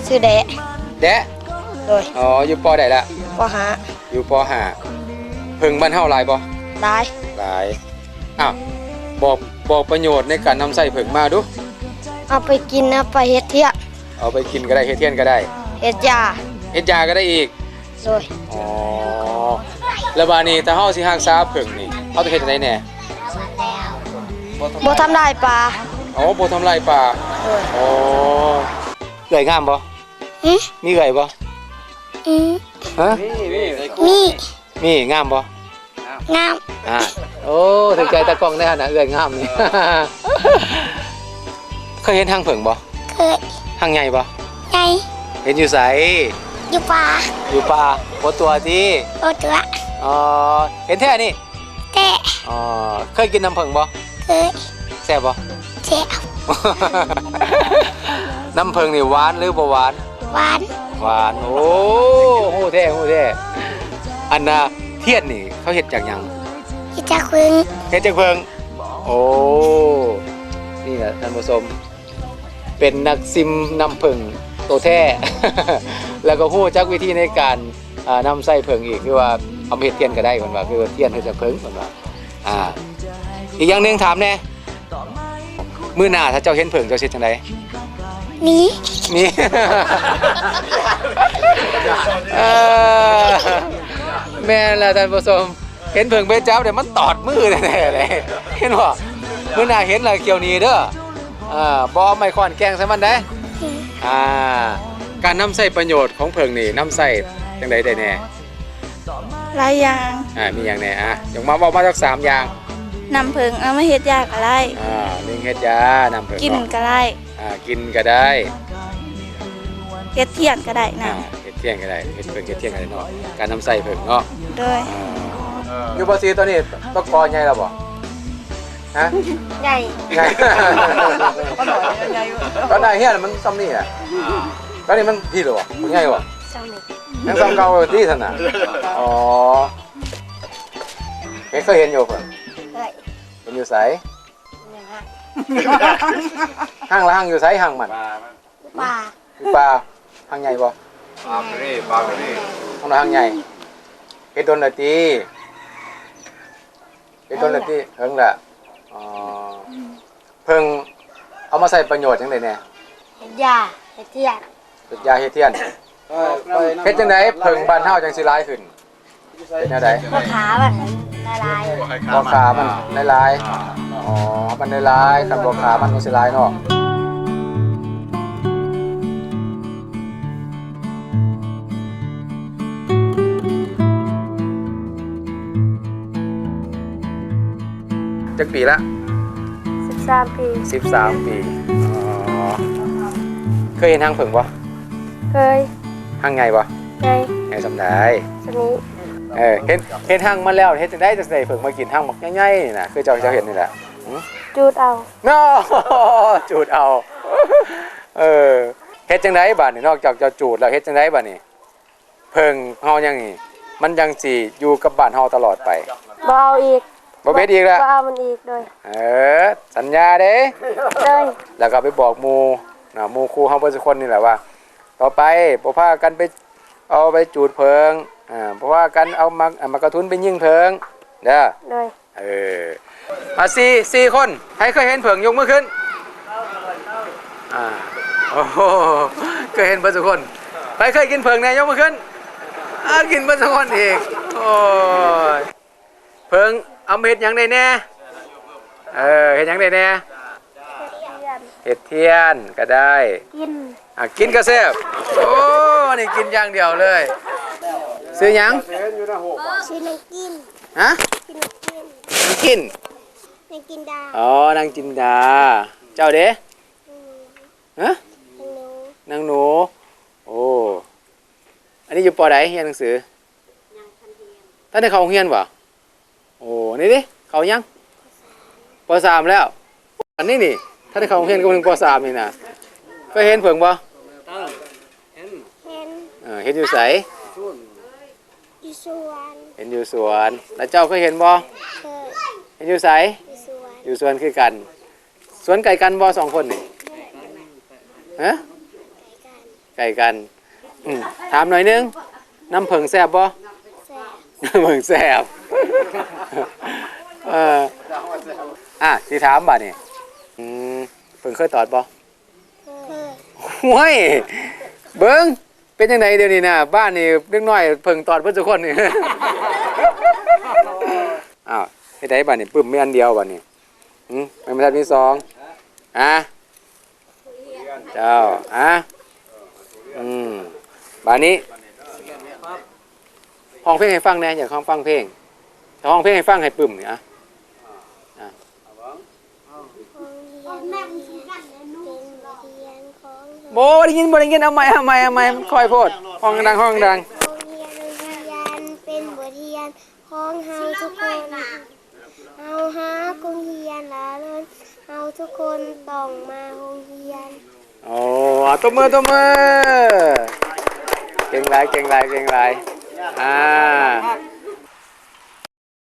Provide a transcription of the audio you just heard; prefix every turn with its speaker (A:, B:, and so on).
A: ชื่อแดะ
B: แดะ
A: โดย
B: อ๋ออยู่ปอใดละ
A: ปหา
B: อยู่ปห้าเพิ่งบ้านเฮาหลายบ่
A: ได้
B: หลายอ้าวบอกประโยชน์ในการนำใส่เพิ่งมาดู
A: เอาไปกินเอาไปเฮ็ดเที่ย
B: เอาไปกินก็ได้เฮ็ดเทียนก็ได้
A: เฮ็ดยา
B: ก็ได้อีก
A: โดย
B: อ๋อแล้วบาดนี้ถ้าเฮาสิรักษาเพิ่งนี่เฮาต้องเฮ็ดจังได๋แหน่
A: บ่ทำลายปลา
B: อ๋อบ่ทำลายป่าอ๋อเอื้อยงามบ่มีเอื้อยบ่ฮะมีงามบ่
A: งาม
B: โอ้ถึงใจตากล้องแน่นะเอื้อยงามนี่เคยเห็นทางเพิ่งบ่
A: เคย
B: ทางใหญ่บ่
A: ใหญ่
B: เห็นอยู่ไส
A: อยู่ป่า
B: บ่ตัวติ
A: บ่ตัว
B: อ๋อเห็นแท้นี่
A: แท้
B: อ๋อเคยกินน้ำเพิ่งบ่
A: เคย
B: แซ่บบ่
A: แซ่บ
B: น้ำเพิ่งนี่หวานหรือบ่หวานหวานโอ้ฮู้แท้อันน่ะเทียนนี่เขาเฮ็ดจากหยัง
A: เฮ็ดจากเพิ่ง
B: โอ้นี่แหละท่านผู้ชมเป็นนักซิมน้ำเพิ่งโตแท้ แล้วก็ฮู้จักวิธีในการนำใส่เพิ่งอีกคือว่าเอาเฮ็ดเทียนก็ได้เพิ่นว่าคือเทียนเฮ็ดจากเพิ่งเพิ่นว่าอีกอย่างนึงถามแน่มื้อหน้าถ้าเจ้าเห็นเพิ่งเจ้าสิจังได๋มี แม่นล่ะท่านผู้ชมเห็นเพิ่งไปจับเดี๋ยวมันตอดมือแน่ๆเลยเห็นบ่มื้อหน้าเห็นแล้วเกี่ยวนี้เด้อบ่เอาไม้ค้อนแกล้งใส่มันได้การนำใส่ประโยชน์ของเพิ่งนี่นำใส่จังได๋ได้แน่
A: หลายอย่าง
B: มีหยังแน่อย่างมาบอกมาสัก3อย่าง
A: นำเพิ่งเอามาเฮ็ดยาก็ได้
B: นึงเฮ็ดยานำเพิ่ง
A: กินก็ได้
B: กินก็ได้
A: เฮ็ดเทียนก็ได้นะ
B: เฮ็ดเทียนก็ได้เฮ็ดเพิ่งเฮ็ดเทียนก็ได้เนาะการนำใส่เพิ่งเนาะ
A: โดย
B: อยู่บ่ซีตอนนี้ตะกอใหญ่แล้วบ่ฮะ
A: ใหญ่
B: ก็ได้เฮียมันซ้ำนี่ก็นี่มันพี่หรอใหญ่บ่
A: ซ้ำนี่
B: ยังซ้ำเก่าที่ซั่นน่ะอ๋อเคยเห็นอยู่เพิ่นเป็นอยู่ไสห้างละห้างอยู่ไสห้างมันป่าห้างใหญ่บ่
C: ปลากระนี่
B: ห้างละห้างใหญ่เฮ็ดโดนละติเพิ่งละอ๋อเพิ่งเอามาใส่ประโยชน์จังได๋แน่
A: เฮ็ดยาเฮ็ดเทียน
B: เฮ็ดยาเฮ็ดเทียนเฮ็ดจังได๋เพิ่งบ้านเฮาจังสิหลายขึ้นเป็นแนวใด
A: บ่ขามันลาย
B: บ่ขามันลายอ๋อมันลายคันบ่ขามันก็สิลายเนาะจักปีละ
A: 13 ปี
B: อ๋อเคยเห็นห้างเพิ่งบ่
A: เคย
B: ห้างใหญ่บ่ไงสำได้
A: สนี้
B: เห็นห้างมาแล้วเฮ็ดจังได๋จังได๋เพิ่งมากินห้างบักใหญ่ๆนี่น่ะคือเจ้าเห็นนี่แหละ
A: จูดเอา
B: เนาะจูดเอาเฮ็ดจังได๋บัดนี้นอกจากจะจูดแล้วเฮ็ดจังได๋บัดนี้เพิ่งเฮายังนี่มันยังสิอยู่กับบ้านเฮาตลอดไป
A: บ่เอาอีก
B: บ่เบ็ดอีกแล้ว
A: บ่เอามันอีกด้วย
B: สัญญาเด้แล้วก็ไปบอกหมู่หมู่ครูเฮาเบิดทุกคนนี่แหละว่าต่อไปบ่พากันไปเอาไปจูดเพิงเพราะว่ากันเอามากระทุนไปยิงเพิงเด้อสี่คนใครเคยเห็นเพิงยกมือขึ้นโอ้โหเคยเห็นเบิดทุกคนใครเคยกินเพิงแน่ยกมือขึ้นกินเบิดทุกคนอีกโอ้ยเพิงเอาเฮ็ดหยังได้แน่เฮ็ดหยังได้แน่เฮ็ดเทียนก็ได้กินก็แซ่บโอ้นี่กินอย่างเดียวเลยซื้อหยัง
A: ซื้อนางกิน
B: ฮะกิน
A: นางกินดา
B: อ๋อนางจินดาเจ้าเด้ฮะนางหนูโอ้อันนี้อยู่ป.ใดเรียนหนังสือท่านได้เข้าโรงเรียนบ่โอ้นี่ดิเขายังป.3แล้วอันนี้นี่ถ้าได้เข้าโรงเรียนก็ถึงป.3นี่นะเคยเห็นเพิ่งบ่เห็นอยู่ไสเห็นอยู่สวนแล้วเจ้าเคยเห็นบ่เห็นอยู่ไสอยู่สวนคือกันสวนไก่กันบ่2คนนี่ฮะไไก่กันถามหน่อยนึงน้ำผึ้งแซ่บบ่
A: แซ่บ
B: น้ำผึ้งแซ่บสิถามบัดนี่เพิ่งเคยตอดบ่
A: เคย
B: ห้วยเบิ้งเป็นยังไงเดี๋ยวนี้นะบ้านนี่เล็กน้อยเพิ่งตอดเพิ่นทุกคนนี่ อ้าวเฮ็ดได้บ้านนี่ปึ้มมีอันเดียวบ้านนี่ไม่ทันมีสองเจ้าบ้านนี้ห้องเพลงให้ฟังแหน่อยากฟังเพลงถ้าห้องเพลงให้ฟังให้ปึ้มนี่
A: โรงเรียนเป็นบทเรียนของ
B: บ่ได้ยินเอาใหม่มันค่อยโพดห้องดัง
A: โรงเรียนเป็นบทเรียนของเฮาทุกคนเฮาหาโรงเรียนละล้นเฮาทุกคนต้องมาโรงเรียน
B: โอ้ตบมือเก่งหลาย